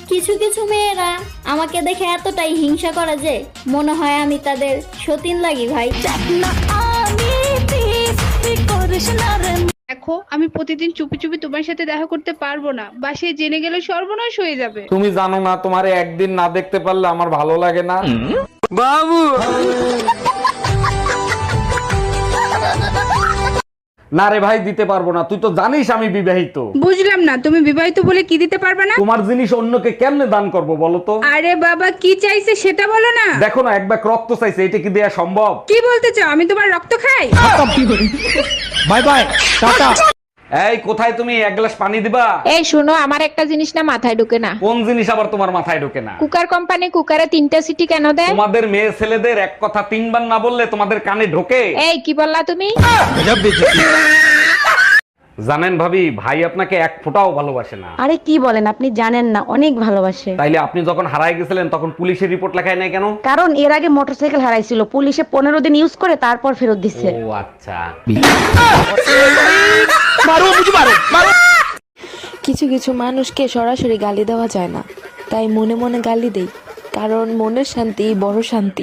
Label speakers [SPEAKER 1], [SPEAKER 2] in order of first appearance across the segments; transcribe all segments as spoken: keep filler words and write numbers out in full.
[SPEAKER 1] কিছু কিছু মেয়েরা আমাকে দেখে এতটাই হিংসা করে যে মনে হয় আমি তাদের সতীন লাগি ভাই।
[SPEAKER 2] দেখো আমি প্রতিদিন চুপি চুপি তোমার সাথে দেখা করতে পারবো না, বাসায় জেনে গেলে সর্বনাশ হয়ে যাবে।
[SPEAKER 3] তুমি জানো না তোমারে একদিন না দেখতে পারলে আমার ভালো লাগে না। বাবু না রে ভাই, দিতে পারবো না। তুই তো জানিস আমি বিবাহিত।
[SPEAKER 2] বুঝলাম না, তুমি বিবাহিত বলে কি দিতে পারবে না?
[SPEAKER 3] তোমার জিনিস অন্যকে কেমনে দান করব বলো তো?
[SPEAKER 2] আরে বাবা, কি চাইছে সেটা বলো না।
[SPEAKER 3] দেখো না, এক ব্যাগ রক্ত চাইছে, এটা কি দেয়া সম্ভব?
[SPEAKER 2] কি বলতে চাও, আমি তোমার রক্ত খাই?
[SPEAKER 3] Bye bye, tata. এই কোথায় তুমি? এক গ্লাস পানি দিবা।
[SPEAKER 4] এই শোনো, আমার একটা জিনিস না মাথায় ঢোকে না।
[SPEAKER 3] কোন জিনিস আবার তোমার মাথায় ঢোকে না?
[SPEAKER 4] কুকার কোম্পানি কুকারে তিনটা সিটি কেন দেয়?
[SPEAKER 3] তোমাদের মেয়ে ছেলেদের এক কথা তিনবার না বললে তোমাদের কানে ঢোকে?
[SPEAKER 4] এই কি বললা তুমি?
[SPEAKER 3] জানেন ভাবি, ভাই আপনাকে এক ফোঁটাও ভালোবাসে না।
[SPEAKER 5] আরে কি বলেন, আপনি জানেন না, অনেক ভালোবাসে।
[SPEAKER 3] তাইলে আপনি যখন হারায় গেছিলেন তখন পুলিশের রিপোর্ট লেখায় নাই কেন?
[SPEAKER 5] কারণ এর আগে মোটরসাইকেল হারাইছিল, পুলিশে পনেরো দিন ইউজ করে তারপর ফেরত দিচ্ছে।
[SPEAKER 3] ও আচ্ছা।
[SPEAKER 6] কিছু কিছু মানুষকে সরাসরি গালি দেওয়া যায় না, তাই মনে মনে গালি দেই, কারণ মনের শান্তি বড় শান্তি।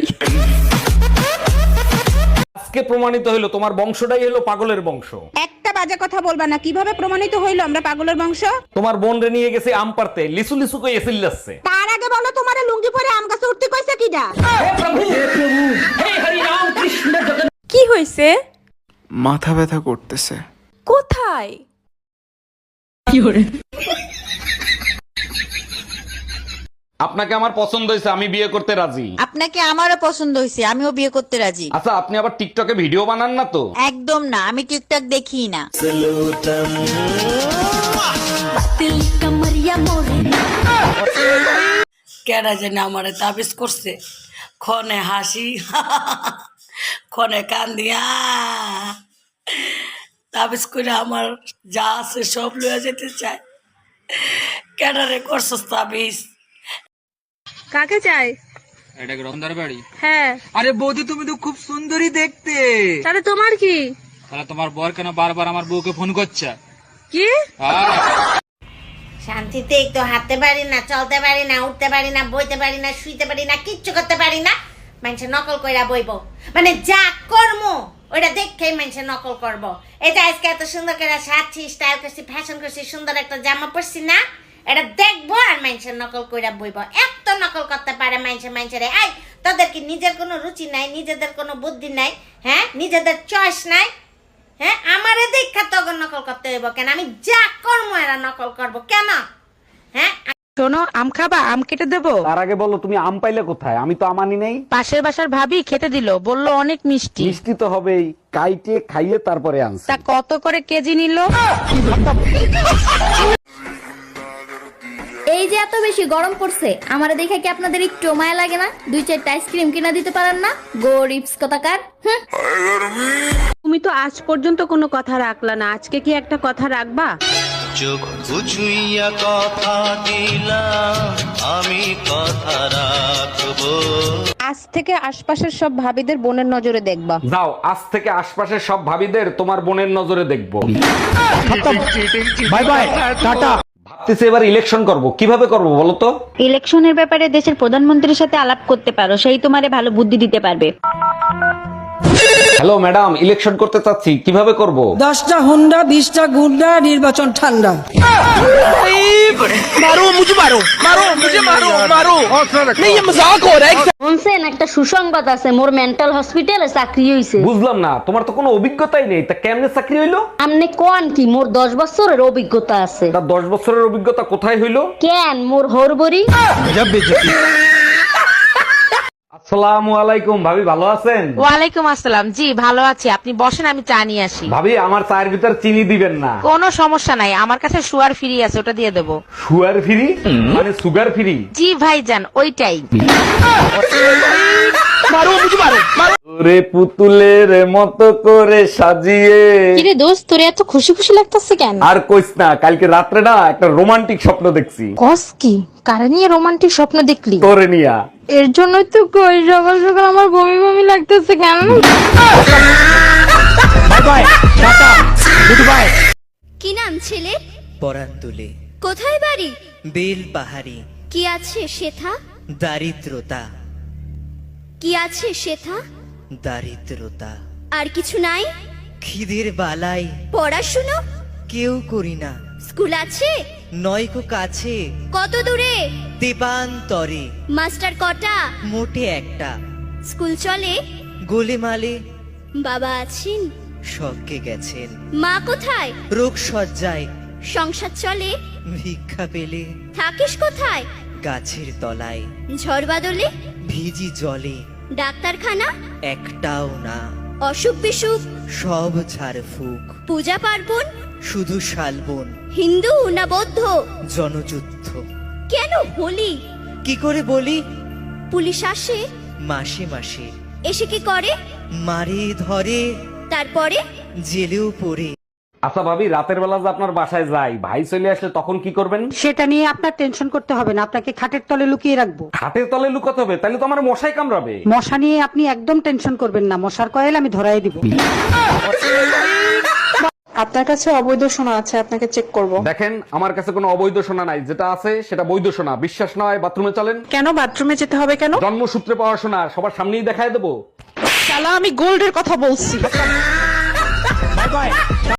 [SPEAKER 3] আজকে প্রমাণিত হইলো তোমার বংশটাই হলো পাগলের বংশ।
[SPEAKER 2] একটা বাজে কথা বলবা না। কিভাবে প্রমাণিত হইলো আমরা পাগলের বংশ?
[SPEAKER 3] তোমার বোন রে নিয়ে গেছে আম পারতে, লিসু লিসু কই এসিল যাচ্ছে।
[SPEAKER 2] তার আগে বলো, তোমার লুঙ্গি পরে আম গাছে উঠতে কইছে কিডা?
[SPEAKER 6] কি হয়েছে?
[SPEAKER 7] মাথা ব্যথা করতেছে।
[SPEAKER 6] কোথায়?
[SPEAKER 3] আপনাকে আমার পছন্দ হয়েছে, আমি বিয়ে করতে রাজি।
[SPEAKER 8] আপনাকে আমারও পছন্দ হয়েছে, আমিও বিয়ে করতে রাজি।
[SPEAKER 3] আচ্ছা, আপনি আবার টিকটকে ভিডিও বানান না তো?
[SPEAKER 8] একদম না, আমি টিকটক দেখি না।
[SPEAKER 9] কেডা জানে আমারে তাবিজ করছে, ক্ষণে হাসি ক্ষণে কান্দিয়া তাবিজ করে আমার যা আছে সব লইয়া যেতে চায়। কেডারে করছস তাবিজ?
[SPEAKER 2] কাকে চাই?
[SPEAKER 10] এটা কি রতনদার বাড়ি?
[SPEAKER 2] হ্যাঁ।
[SPEAKER 10] আরে বৌদি, তুমি তো খুব সুন্দরী দেখতে।
[SPEAKER 2] তাহলে তোমার কি?
[SPEAKER 10] তাহলে তোমার বর কেন বারবার আমার বউকে ফোন করছে?
[SPEAKER 2] কি?
[SPEAKER 8] শান্তিতে একটু হাঁটতে পারি না, চলতে পারি না, উঠতে পারি না, বইতে পারি না, শুইতে পারি না, কিচ্ছু করতে পারি না। মানুষের নকল কইরা বইব, মানে যা কর্ম ওইটা দেখেই মানুষের নকল করব। এটা আজকে এত সুন্দর করে সাজছি, স্টাইল করছি, ফ্যাশন করছি, সুন্দর একটা জামা পরছি না, এটা দেখবো আর মানুষের নকল কইরা বইব। এত নকল করতে পারে মানুষের মানুষের। এই তাদের কি নিজের কোনো রুচি নাই, নিজেদের কোনো বুদ্ধি নাই? হ্যাঁ, নিজেদের চয়েস নাই? হ্যাঁ, আমারে দেখা তখন নকল করতে হইব কেন? আমি যা কর্ম এরা নকল করব কেন? হ্যাঁ,
[SPEAKER 5] শোনো, আম খাবা? আম কেটে দেবো?
[SPEAKER 3] তার আগে বলো, তুমি আম পাইলে কোথায়? আমি তো আমানি নেই।
[SPEAKER 5] পাশের বাসার ভাবি খেতে দিল, বললো অনেক মিষ্টি।
[SPEAKER 3] মিষ্টি তো হবেই, কাইটে খাইয়ে তারপরে আনছি।
[SPEAKER 5] তা কত করে কেজি নিল?
[SPEAKER 1] এই যে এত বেশি গরম পড়ছে, আমারে দেখে কি আপনাদের একটু মায়া লাগে না? দুই চারটা আইসক্রিম কিনা দিতে পারেন না? গরিবস কথাকার। হুঁ।
[SPEAKER 5] তুমি তো আজ পর্যন্ত কোনো কথা রাখলা না, আজকে কি একটা কথা রাখবা?
[SPEAKER 11] চোখ বুঝুইয়া কথা দিলাম, আমি কথা রাখবো।
[SPEAKER 4] আজ থেকে আশপাশের সব ভাবিদের বোনের নজরে দেখবা।
[SPEAKER 3] যাও, আজ থেকে আশপাশের সব ভাবিদের তোমার বোনের নজরে দেখবো। Bye bye, tata. ভাবতেছি এবার ইলেকশন করব, কিভাবে করব বলো তো?
[SPEAKER 5] ইলেকশনের ব্যাপারে দেশের প্রধানমন্ত্রীর সাথে আলাপ করতে পারো, সেই তোমারে ভালো বুদ্ধি দিতে পারবে।
[SPEAKER 3] হ্যালো ম্যাডাম, ইলেকশন করতে চাচ্ছি, কিভাবে করব?
[SPEAKER 9] দশটা হুন্ডা, বিশটা গুন্ডা, নির্বাচন ঠান্ডা।
[SPEAKER 10] মারো মুঝে, মারো মারো মুঝে, মারো মারো। नहीं ये मजाक हो रहा है।
[SPEAKER 5] শুনছেন, একটা সুসংবাদ আছে, মোর মেন্টাল হসপিটালে চাকরি হইছে।
[SPEAKER 3] বুঝলাম না, তোমার তো কোনো অভিজ্ঞতাই নেই, তা কেমনে চাকরি হইলো?
[SPEAKER 5] আমনে কোন কি, মোর দশ বছরের অভিজ্ঞতা আছে।
[SPEAKER 3] তা দশ বছরের অভিজ্ঞতা কোথায় হইলো?
[SPEAKER 5] কেন, মোর হরবরি।
[SPEAKER 3] আসসালামু আলাইকুম ভাবি, ভালো আছেন?
[SPEAKER 4] ওয়ালাইকুম আসসালাম। জি ভালো আছি, আপনি বসেন, আমি চা নিয়ে আসি।
[SPEAKER 3] ভাবি, আমার চায়ের ভিতর চিনি দিবেন না।
[SPEAKER 4] কোনো সমস্যা নাই, আমার কাছে সুগার ফ্রি আছে, ওটা দিয়ে দেবো।
[SPEAKER 3] সুগার ফ্রি মানে সুগার ফ্রি?
[SPEAKER 4] জি ভাইজান, ওইটাই।
[SPEAKER 10] মারো মুঝে, মারো মারো।
[SPEAKER 3] রে পুতুলের মতো করে সাজিয়ে।
[SPEAKER 6] কিরে দোস্ত, তোর এত খুশি খুশি লাগতেছে কেন?
[SPEAKER 3] আর কইস না, কালকে রাত্রে না একটা রোমান্টিক স্বপ্ন দেখছি।
[SPEAKER 6] কস কি? কারে নিয়ে রোমান্টিক স্বপ্ন দেখলি?
[SPEAKER 3] তোরে নিয়া।
[SPEAKER 6] এর জন্যই তো কই সকাল সকাল আমার বমি বমি লাগতেছে কেন?
[SPEAKER 10] Bye bye, tata, goodbye.
[SPEAKER 1] কি নাম ছেলে?
[SPEAKER 9] পরান তুলে
[SPEAKER 1] কোথায় বাড়ি?
[SPEAKER 9] বেল পাহাড়ি।
[SPEAKER 1] কি আছে শেথা?
[SPEAKER 11] দারিদ্রতা,
[SPEAKER 1] কি আছে শেথা?
[SPEAKER 11] দারিদ্রতা।
[SPEAKER 1] আর কিছু নাই?
[SPEAKER 11] খিদের বালাই
[SPEAKER 1] পড়াশুনো?
[SPEAKER 11] কেউ করি না,
[SPEAKER 1] স্কুল আছে?
[SPEAKER 11] নয়কো কাছে,
[SPEAKER 1] কত দূরে?
[SPEAKER 11] দেবান্তরে।
[SPEAKER 1] মাস্টার কটা?
[SPEAKER 11] মোটে একটা।
[SPEAKER 1] স্কুল চলে?
[SPEAKER 11] গোলেমালে
[SPEAKER 1] বাবা আছেন?
[SPEAKER 11] স্বর্গে গেছেন।
[SPEAKER 1] মা কোথায়?
[SPEAKER 11] রোগ সজ্জায়
[SPEAKER 1] সংসার চলে?
[SPEAKER 11] ভিক্ষা পেলে
[SPEAKER 1] থাকিস কোথায়?
[SPEAKER 11] গাছের তলায়।
[SPEAKER 1] ঝড় বাদলে?
[SPEAKER 11] ভিজি জলে
[SPEAKER 1] ডাক্তারখানা?
[SPEAKER 11] একটাও না,
[SPEAKER 1] অসুখ বিসুখ?
[SPEAKER 11] সব ঝাড়ফুঁক।
[SPEAKER 1] পূজা পার্বণ?
[SPEAKER 11] শুধু শালবন,
[SPEAKER 1] হিন্দু না বৌদ্ধ?
[SPEAKER 11] জনযুদ্ধ।
[SPEAKER 1] কেন হোলি?
[SPEAKER 11] কি করে বলি?
[SPEAKER 1] পুলিশ আসে?
[SPEAKER 11] মাসে মাসে
[SPEAKER 1] এসে কি করে?
[SPEAKER 11] মারে ধরে,
[SPEAKER 1] তারপরে?
[SPEAKER 11] জেলেও পড়ে।
[SPEAKER 3] আচ্ছা ভাবি, রাতের বেলা যে আপনার বাসায় যাই, ভাই চলে আসলে তখন কি করবেন?
[SPEAKER 5] সেটা নিয়ে আপনার টেনশন করতে হবে না, আপনাকে খাটের তলে লুকিয়ে রাখবো।
[SPEAKER 3] খাটের তলে লুকাতে হবে? তাহলে তো আমার মশাই কামড়াবে।
[SPEAKER 5] মশা নিয়ে আপনি একদম টেনশন করবেন না, মশার কয়েল আমি ধরাই দিব।
[SPEAKER 6] আপনার কাছে অবৈধ সোনা আছে, আপনাকে চেক করব।
[SPEAKER 3] দেখেন, আমার কাছে কোনো অবৈধ সোনা নাই, যেটা আছে সেটা বৈধ সোনা। বিশ্বাস নয় বাথরুমে চলেন।
[SPEAKER 6] কেন বাথরুমে যেতে হবে কেন?
[SPEAKER 3] জন্মসূত্রে পাওয়া সোনা, সবার সামনেই দেখায় দেবো।
[SPEAKER 6] শালা আমি গোল্ডের কথা বলছি।